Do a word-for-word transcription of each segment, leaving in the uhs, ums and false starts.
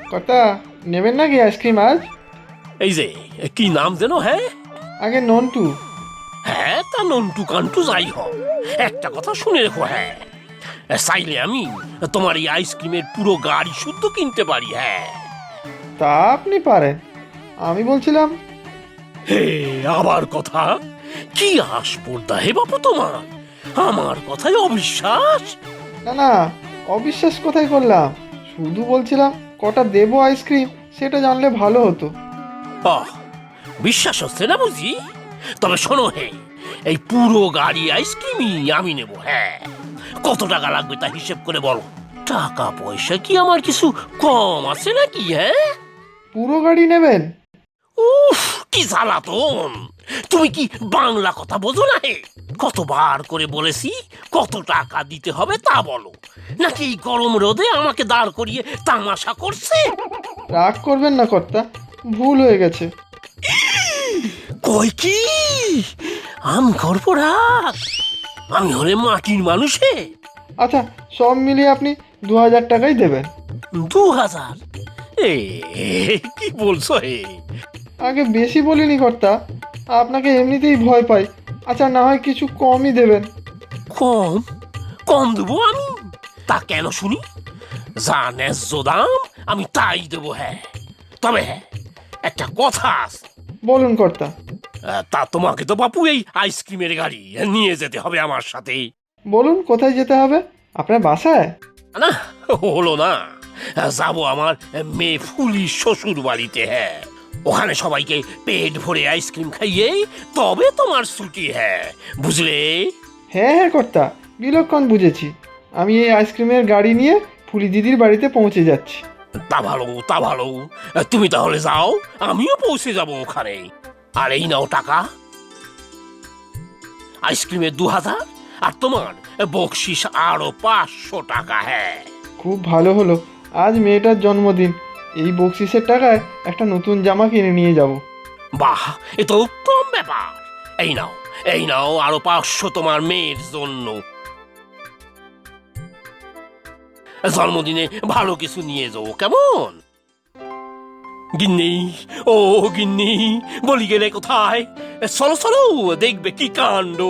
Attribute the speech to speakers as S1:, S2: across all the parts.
S1: কর্তা নেবেন নাকি আইসক্রিম আজ?
S2: এই যে কি নাম যেন? হ্যাঁ
S1: আগে নন্টু।
S2: হ্যাঁ তা নন্টু কান্টু যাই হোক, একটা কথা শুনে রেখো, হ্যাঁ চাইলে আমি তোমার এই আইসক্রিমের পুরো গাড়ি শুদ্ধ কিনতে পারি। হ্যাঁ
S1: তা আপনি পারেন, আমি বলছিলাম।
S2: হে আবার কথা, কি আসপর্দা হে বাপু তোমার, আমার কথায় অবিশ্বাস?
S1: না না, অবিশ্বাস কোথায় করলাম, শুধু বলছিলাম কটা দেবো আইসক্রিম সেটা জানলে ভালো হতো।
S2: আহ বিশ্বাস হচ্ছে না বুঝি? তবে শোনো হে, এই পুরো গাড়ি আইসক্রিমই আমি নেব। হ্যাঁ কত টাকা লাগবে তা হিসেব করে বলো। টাকা পয়সা কি আমার কিছু কম আছে নাকি? হ্যাঁ
S1: পুরো গাড়ি নেবেন?
S2: উফ কি জ্বালাতন, তুমি কি বাংলা কথা বোঝো না হে? কতবার করে বলেছি কত টাকা দিতে হবে তা বলো, নাকি এই গরম রোদে আমাকে দাঁড় করিয়ে তামাশা করছে?
S1: রাগ করবেন না কর্তা, ভুল হয়ে গেছে।
S2: কই কি আমি করবো রাগ? আমি হলে মাটির মানুষে।
S1: আচ্ছা, সব মিলিয়ে আপনি দু হাজার টাকাই দেবেন।
S2: দু হাজার? এ কি বলছো হে?
S1: আগে বেশি বলিনি কর্তা, আপনাকে এমনিতেই ভয় পাই। আচ্ছা, না হয় কিছু কমই দেবেন।
S2: কম? কম দেবো আমি? তা কেন শুনি? যা ন্যায্য দাম আমি তাই দেবো। হ্যাঁ তবে হ্যাঁ একটা কথা আছে।
S1: বলুন কর্তা।
S2: আহ, তা তোমাকে তো বাপু এই আইসক্রিমের গাড়ি নিয়ে যেতে হবে আমার সাথে।
S1: বলুন কোথায় যেতে হবে? আপনার বাসায়?
S2: না হলো না, যাবো আমার মেয়ে ফুলির শ্বশুর বাড়িতে। হ্যাঁ ওখানে সবাইকে পেট ভরে আইসক্রিম খাইয়ে তবে তোমার ছুটি। হ্যাঁ বুঝলে?
S1: হ্যাঁ হ্যাঁ কর্তা, বিলক্ষণ বুঝেছি। আমি এই আইসক্রিমের গাড়ি নিয়ে ফুলি দিদির বাড়িতে পৌঁছে যাচ্ছি।
S2: তা ভালো তা ভালো, তুমি তাহলে যাও, আমিও পৌঁছে যাব ওখানে। আর এই নাও টাকা, আইসক্রিমের দু হাজার, আর তোমার বকশিস আরো পাঁচশো টাকা। হ্যাঁ
S1: খুব ভালো হলো, আজ মেয়েটার জন্মদিন, এই বকশিসের টাকায় একটা নতুন জামা কিনে নিয়ে যাব।
S2: বাহ এ তো উত্তম ব্যাপার। এই নাও এই নাও আরো পাঁচশো তোমার মেয়ের জন্য। জন্মদিনে ভালো কিছু নিয়ে যাও কেমন? গিন্নি, ও গিন্নি, বলি গেলে কোথায়? চলো চলো, দেখবে কি কাণ্ড।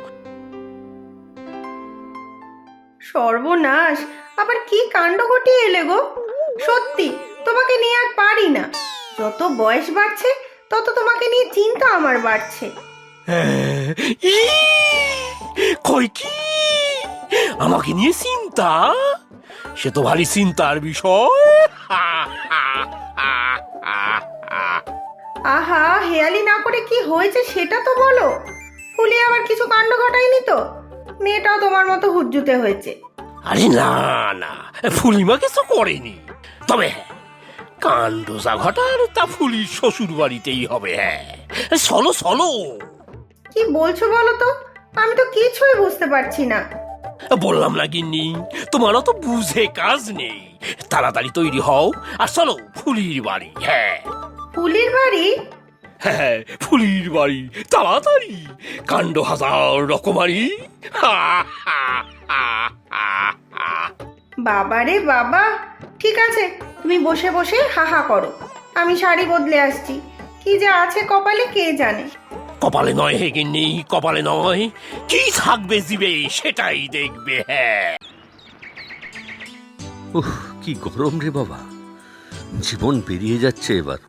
S3: সর্বনাশ, আবার কি কাণ্ড ঘটিয়ে এলে গো। সত্যি তোমাকে নিয়ে আর পারি না। যত বয়স বাড়ছে তত তোমাকে নিয়ে চিন্তা আমার বাড়ছে।
S2: ই, কই কি আমাকে নিয়ে চিন্তা? সে তো ভারী চিন্তার বিষয়।
S3: আহা, হেয়ালি না করে কি হয়েছে সেটা তো বলো। ফুলি আবার কিছু কাণ্ড ঘটায়নি তো? মেয়েটাও তোমার মতো হুজ্জুতে হয়েছে।
S2: আরে না না, ফুলিমা কিছু করেনি। তবে হ্যাঁ কাণ্ড যা ঘটার তা ফুলির শ্বশুর বাড়িতেই হবে। হ্যাঁ চলো চলো।
S3: কি বলছো বলো তো? আমি তো কিছুই বুঝতে পারছি না।
S2: বললাম না গিন্নি, তোমারও তো বুঝে কাজ নেই। তাড়াতাড়ি তৈরি হও আর চলো ফুলির বাড়ি। হ্যাঁ
S3: ফুলির বাড়ি?
S2: হ্যাঁ ফুলির বাড়ি, তাড়াতাড়ি, কাণ্ড হাজার রকমারি।
S3: বাবারে বাবা, ঠিক আছে, তুমি বসে বসে হাহা করো, আমি শাড়ি বদলে আসছি। কি যে আছে কপালে কে জানে।
S2: কপালে নয় হে গিন্নি, কপালে নয়, কি থাকবে জিবে সেটাই দেখবে। হ্যাঁ
S4: উহ, কি গরম রে বাবা, জীবন বেরিয়ে যাচ্ছে এবার।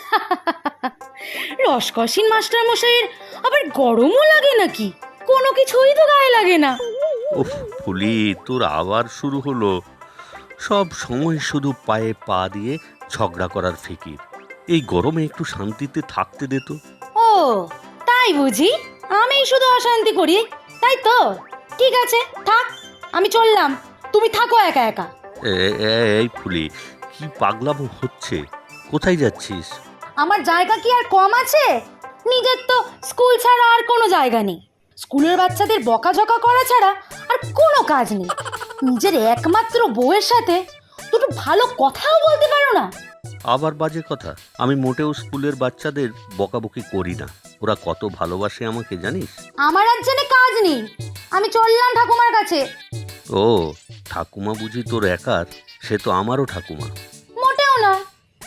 S5: রসকসিন মাস্টার মশাইয়ের আবার গরমও লাগে নাকি? কোনো কিছুই তো গায়ে লাগে না।
S4: উফ ফুলি, তোর আবার শুরু হলো। সব সময় শুধু পায়ে পা দিয়ে ঝগড়া করার ফিকির। এই গরমে একটু শান্তিতে থাকতে দে তো।
S5: ও তাই বুঝি? আমি শুধু অশান্তি করি, তাই তো? ঠিক আছে থাক, আমি চললাম, তুমি থাকো একা একা।
S4: এ- এ- এই ফুলি, কি পাগলামো হচ্ছে? কোথায় যাচ্ছিস?
S5: আমার জায়গা কি আর কম আছে? নিজের তো স্কুল ছাড়া আর কোনো জায়গা নেই। স্কুলের বাচ্চাদের বকাঝকা করা ছাড়া আর কোনো কাজ নেই। নিজের একমাত্র বউয়ের সাথে দুটো ভালো কথাও বলতে পারো না।
S4: আবার বাজে কথা? আমি মোটেও স্কুলের বাচ্চাদের বকাবকি করি না। ওরা কত ভালোবাসে আমাকে জানিস?
S5: আমার আর জেনে কাজ নেই, আমি চললাম ঠাকুমার কাছে।
S4: ও ঠাকুমা বুঝি তোর একার? সে তো আমারও ঠাকুমা।
S5: মোটেও না,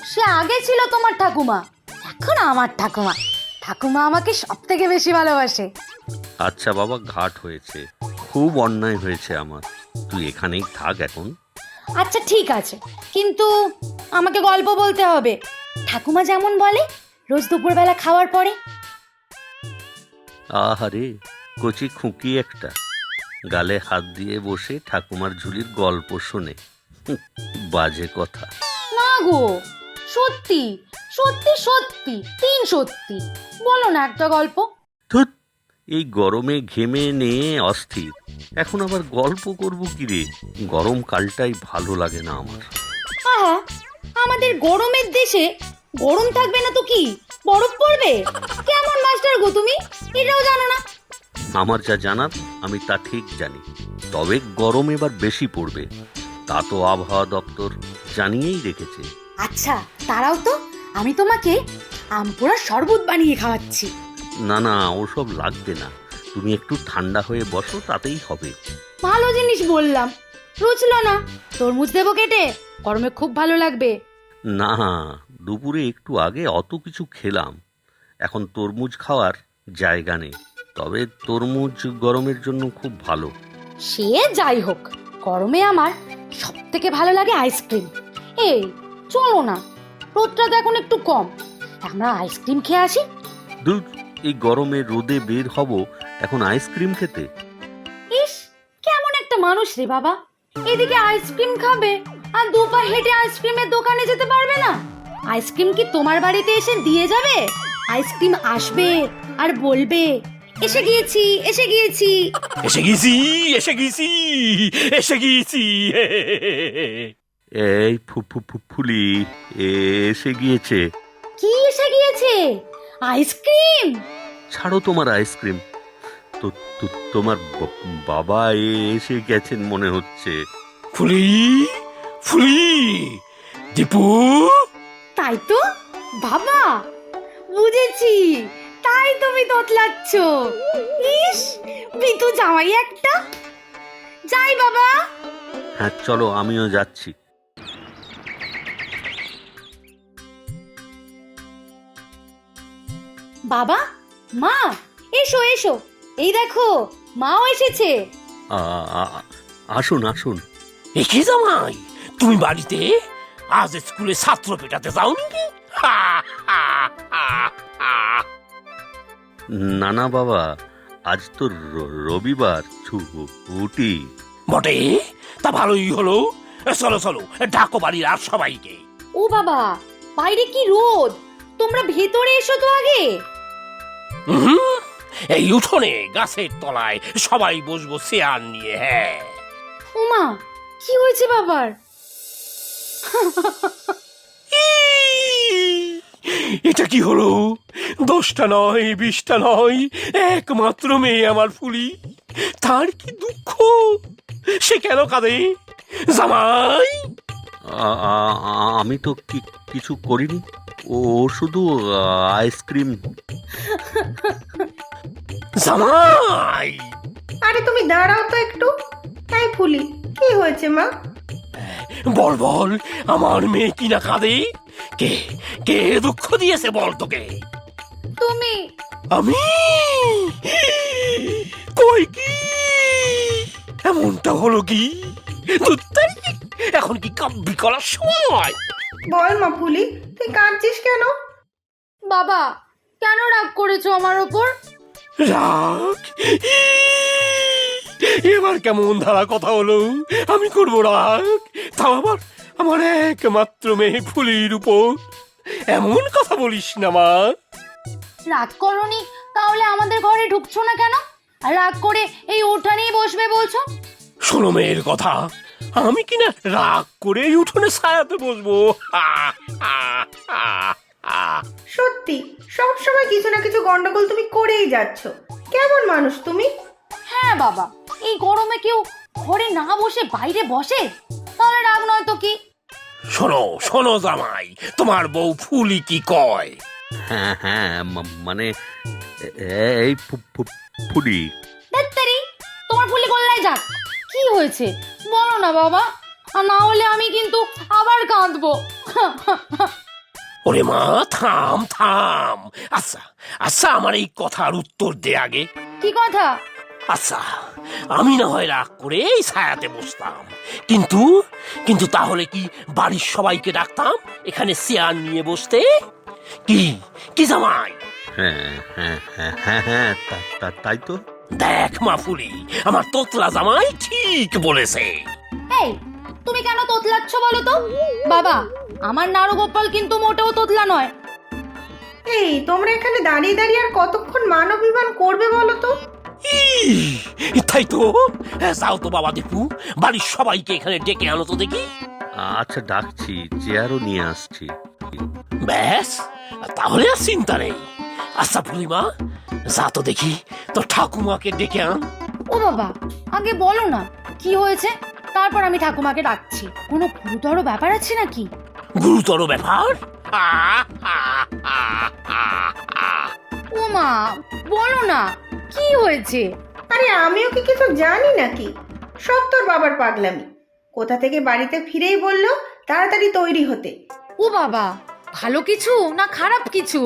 S5: সে আগে ছিল তোমার ঠাকুমা, এখন আমার ঠাকুমা। ঠাকুমা আমাকে সব থেকে বেশি ভালোবাসে।
S4: আচ্ছা বাবা, ঘাট হয়েছে, খুব অন্যায় হয়েছে আমার। তুই এখানেই থাক এখন।
S5: আচ্ছা ঠিক আছে, কিন্তু আমাকে গল্প বলতে হবে, ঠাকুমা যেমন বলে রোজ দুপুরবেলা খাওয়ার পরে।
S4: আহারে, কচি খুঁকি একটা, গালে হাত দিয়ে বসে ঠাকুমার ঝুলির গল্প শোনে। হুঁ, বাজে কথা।
S5: না গো, সত্যি সত্যি সত্যি তিন সত্যি, বলো না একটা গল্প।
S4: ধুৎ, এই গরমে ঘেমে নিয়ে অস্থির, এখন আবার গল্প করব কি রে? গরমকালটাই ভালো লাগে না আমার।
S5: আহা, আমাদের গরমের দেশে গরম থাকবে না তো কি বরফ পড়বে? কেমন মাস্টার গো তুমি, এটাও জানো না?
S4: আমার যা জানার আমি তা ঠিক জানি, তবে গরম এবার বেশি পড়বে, তা তো আবহাওয়া দপ্তর জানিয়েই রেখেছে।
S5: আচ্ছা তারাও তো, আমি তোমাকে আমপোড়ার শরবত বানিয়ে খাওয়াচ্ছি।
S4: না না, ওসব লাগবে না, তুমি একটু ঠান্ডা হয়ে বসো, তাতেই হবে।
S5: ভালো জিনিস বললাম, রুচলো না? তরমুজ দেবো কেটে, গরমে খুব ভালো লাগবে।
S4: না, দুপুরে একটু আগে অত কিছু খেলাম, এখন তরমুজ খাওয়ার জায়গা নেই, তবে তরমুজ গরমের জন্য খুব ভালো।
S5: সে যাই হোক, গরমে আমার সব থেকে ভালো লাগে আইসক্রিম। এই চলো না, রোদটা তো এখন একটু কম, আমরা আইসক্রিম খেয়ে আসি।
S4: দূর, এই গরমে রোদে বের হব এখন আইসক্রিম খেতে?
S5: ইস, কেমন একটা মানুষ রে বাবা, এদিকে আইসক্রিম খাবে আর দুপা হেঁটে আইসক্রিমের দোকানে যেতে পারবে না। আইসক্রিম কি তোমার বাড়িতে এসে দিয়ে যাবে? আইসক্রিম আসবে আর বলবে এসে গিয়েছি এসে গিয়েছি।
S2: এসে গেছি এসে গেছি এসে গেছি।
S4: এই ফু- ফু- ফু- ফুলি এসে গিয়েছে।
S5: কি এসে গিয়েছে? আইসক্রিম?
S4: ছাড়ো তোমার আইসক্রিম, তো তো- তোমার ব- বাবা এসে গেছেন মনে হচ্ছে।
S2: ফুলি ফুলি, দীপু।
S5: তাই তো বাবা, বুঝেছি, তাই তুমি তোতলাচ্ছ। ইস, বিতু জামাই একটা। যাই বাবা।
S4: হ্যাঁ চলো, আমিও যাচ্ছি।
S5: বাবা, মা, এসো এসো, এই দেখো মাও এসেছে।
S4: আ- আ- আসুন আসুন।
S2: একে জামাই, তুমি বাড়িতে আজ স্কুলে ছাত্র পেটাতে যাও নাকি? হা, হা, হা, হা।
S4: না না বাবা, আজ তো র- রবিবার, ছুটি।
S2: বটে, তা ভালোই হলো। চলো চলো, ডাকো বাড়ির আর সবাইকে।
S5: ও বাবা, বাইরে কি রোদ, তোমরা ভেতরে এসো তো আগে।
S2: হুম, এই উঠোনে গাছের তলায় সবাই বসবো চেয়ার নিয়ে। হ্যাঁ,
S5: ওমা, কি হয়েছে বাবার?
S2: এটা কি হলো? দশটা নয়, বিশটা নয়, একমাত্র মেয়ে আমার ফুলি, তার কি দুঃখ, সে কেন কাঁদে? জামাই,
S4: আ- আ- আ- আমি তো কি- কিছু করিনি, ও শুধু আইসক্রিম।
S2: জামাই।
S3: আরে তুমি দাঁড়াও তো একটু। তাই ফুলি, কি হয়েছে মা?
S2: বল বল, আমার মেয়ে কিনা কাঁদে? কে কে দুঃখ দিয়েছে বল তোকে?
S5: তুমি।
S2: আমি? কই কি এমনটা হলো কি? ধুত্তারি, এখন কি কাব্যি করার সময়?
S3: বল মা ফুলি, তুই কাঁদছিস কেন?
S5: বাবা, কেন রাগ করেছো আমার ওপর?
S2: রাগ? এবার কেমন ধারা কথা হলো? আমি করবো রাগ? তাও আবার আমার একমাত্র মেয়ে ফুলির উপর? এমন কথা বলিস না মা।
S5: রাগ করনি, তাহলে আমাদের ঘরে ঢুকছো না কেন? আর রাগ করে এই উঠানেই বসবে বলছো?
S2: শোনো মেয়ের কথা, আমি কিনা রাগ করে এই উঠোনে ছায়াতে বসবো? হা, হা, হা, হা।
S3: সত্যি সব সময় কিছু না কিছু গন্ডগোল তুমি করেই যাচ্ছ। কেমন মানুষ তুমি?
S5: হ্যাঁ বাবা, এই গরমে কেউ ঘরে না বসে বাইরে বসে, তাহলে রাগ নয় তো কি?
S2: শোনো শোনো জামাই, তোমার বউ ফুলি কি কয়?
S4: হ্যাঁ হ্যাঁ, মা- মানে এ- এই ফু- ফু- ফুলি,
S5: ধ্যাত্তেরি, তোমার ফুলি গোল্লায় যাক। কি হয়েছে বলো না বাবা, আর না হলে আমি কিন্তু আবার কাঁদবো।
S2: ওরে মা, থাম থাম। আচ্ছা আচ্ছা, আমার এই কথার উত্তর দে আগে।
S5: কি কথা?
S2: আচ্ছা, আমি না হয় রাগ করে এই ছায়াতে বসতাম, কিন্তু কিন্তু তাহলে কি বাড়ির সবাইকে ডাকতাম এখানে চেয়ার নিয়ে বসতে? কি কি জামাই?
S4: হ্যাঁ হ্যাঁ হ্যাঁ হ্যাঁ হ্যাঁ তা- তা- তাই তো।
S2: দেখ মাফুলি, আমার তোতলা জামাই ঠিক বলেছে।
S5: এই, তুমি কেন তোতলাচ্ছ বলো তো? বাবা, আমার নারুগোপাল কিন্তু মোটেও তোতলা নয়।
S3: এই তোমরা এখানে দাঁড়িয়ে দাঁড়িয়ে আর কতক্ষণ মান অভিমান করবে বলো তো?
S2: ই, তাই তো। হ্যাঁ, যাও তো বাবা দীপু, বাড়ির সবাইকে এখানে ডেকে আনো তো দেখি।
S4: আচ্ছা ডাকছি, চেয়ারও নিয়ে আসছি।
S2: ব্যাস, তাহলে আর চিন্তা নেই। আচ্ছা ফুলিমা, যা তো দেখি তো ঠাকুমাকে ডেকে আন।
S5: ও বাবা, আগে বলো না কি হয়েছে, তারপর আমি ঠাকুমাকে ডাকছি। কোনো গুরুতর ব্যাপার আছে নাকি?
S2: গুরুতর ব্যাপার?
S5: ও মা, বলো না কি হয়েছে।
S3: আরে আমিও কি কিছু জানি নাকি? সব তোর বাবার পাগলামি। কোথা থেকে বাড়িতে ফিরেই বললো তাড়াতাড়ি তৈরি হতে।
S5: ও বাবা, ভালো কিছু না খারাপ কিছু?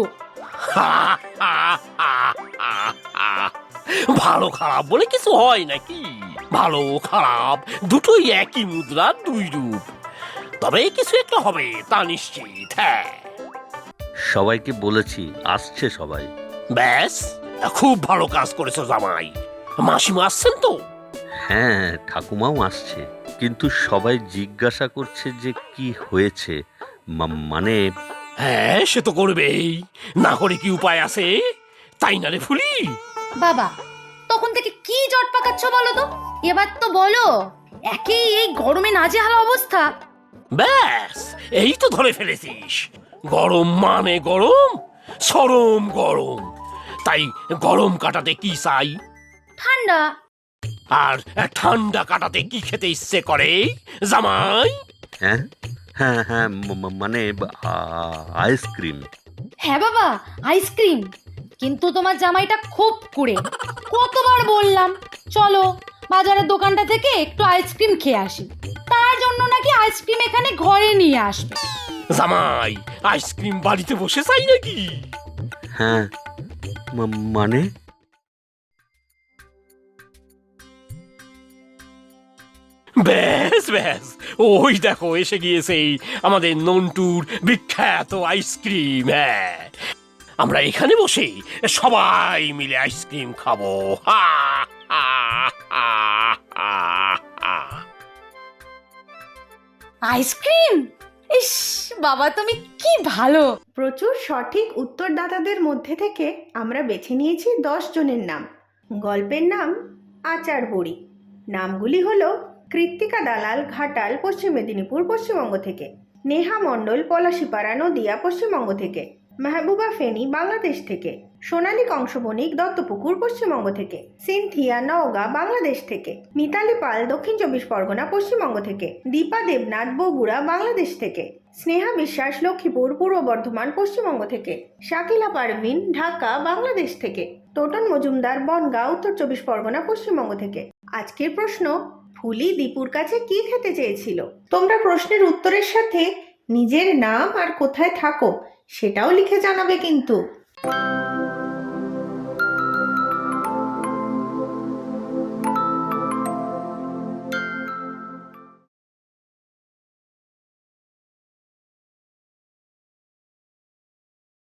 S2: ভালো খারাপ বলে কিছু হয় নাকি? ভালো খারাপ দুটোই একই মুদ্রার দুই রূপ। তবে কিছু একটা হবে তা নিশ্চিত। হ্যাঁ,
S4: সবাইকে বলেছি, আসছে সবাই।
S2: ব্যাস, খুব ভালো কাজ করেছো জামাই। মাসিমা আসছেন তো?
S4: হ্যাঁ, ঠাকুমাও আসছে, কিন্তু সবাই জিজ্ঞাসা করছে যে কি হয়েছে। মা- মানে
S2: হ্যাঁ, সে তো করবেই, না করে কি উপায় আছে? তাই না রে ফুলি?
S5: বাবা, তখন থেকে কি জট পাকাচ্ছ বলো তো? এবার তো বলো। একেই এই গরমে নাজেহাল অবস্থা।
S2: ব্যাস, এই তো ধরে ফেলেছিস। গরম মানে গরম, চরম গরম। তাই গরম কাটাতে কি চাই?
S5: ঠান্ডা।
S2: আর ঠান্ডা কাটাতে কি খেতে ইচ্ছে করে জামাই?
S4: হ্যাঁ হ্যাঁ হ্যাঁ ম- ম- মানে আ- আইসক্রিম।
S5: হ্যাঁ বাবা, আইসক্রিম। কিন্তু তোমার জামাইটা খুব কুড়ে। কতবার বললাম চলো বাজারের দোকানটা থেকে একটু আইসক্রিম খেয়ে আসি, তার জন্য নাকি আইসক্রিম এখানে ঘরে নিয়ে আসবে।
S2: জামাই আইসক্রিম বাড়িতে বসে চাই নাকি?
S4: হ্যাঁ মা- মানে
S2: ব্যাস ব্যাস, ওই দেখো এসে গিয়েছে আমাদের নন্টুর বিখ্যাত আইসক্রিম। হ্যাঁ, আমরা এখানে বসে সবাই মিলে আইসক্রিম খাবো। হা হা হা হা হা।
S5: আইসক্রিম? ইস বাবা, তুমি কি ভালো।
S3: প্রচুর সঠিক উত্তরদাতাদের মধ্যে থেকে আমরা বেছে নিয়েছি দশ জনের নাম। গল্পের নাম আচার বড়ি। নামগুলি হলো কৃত্তিকা দালাল, ঘাটাল, পশ্চিম মেদিনীপুর, পশ্চিমবঙ্গ থেকে; নেহা মণ্ডল, পলাশিপাড়া, নদিয়া, পশ্চিমবঙ্গ থেকে; মেহবুবা ফেনী, বাংলাদেশ থেকে; সোনালী কংসবণিক, দত্তপুকুর, পশ্চিমবঙ্গ থেকে; সিনথিয়া, নওগাঁ, বাংলাদেশ থেকে; মিতালি পাল, দক্ষিণ চব্বিশ পরগনা, পশ্চিমবঙ্গ থেকে; দীপা দেবনাথ, বগুড়া, বাংলাদেশ থেকে; স্নেহা বিশ্বাস, লক্ষ্মীপুর, পূর্ব বর্ধমান, পশ্চিমবঙ্গ থেকে; শাকিলা পারভিন, ঢাকা, বাংলাদেশ থেকে; টোটন মজুমদার, বনগাঁ, উত্তর চব্বিশ পরগনা, পশ্চিমবঙ্গ থেকে। আজকের প্রশ্ন, ফুলি দীপুর কাছে কি খেতে চেয়েছিল? তোমরা প্রশ্নের উত্তরের সাথে নিজের নাম আর কোথায় থাকো সেটাও লিখে জানাবে কিন্তু।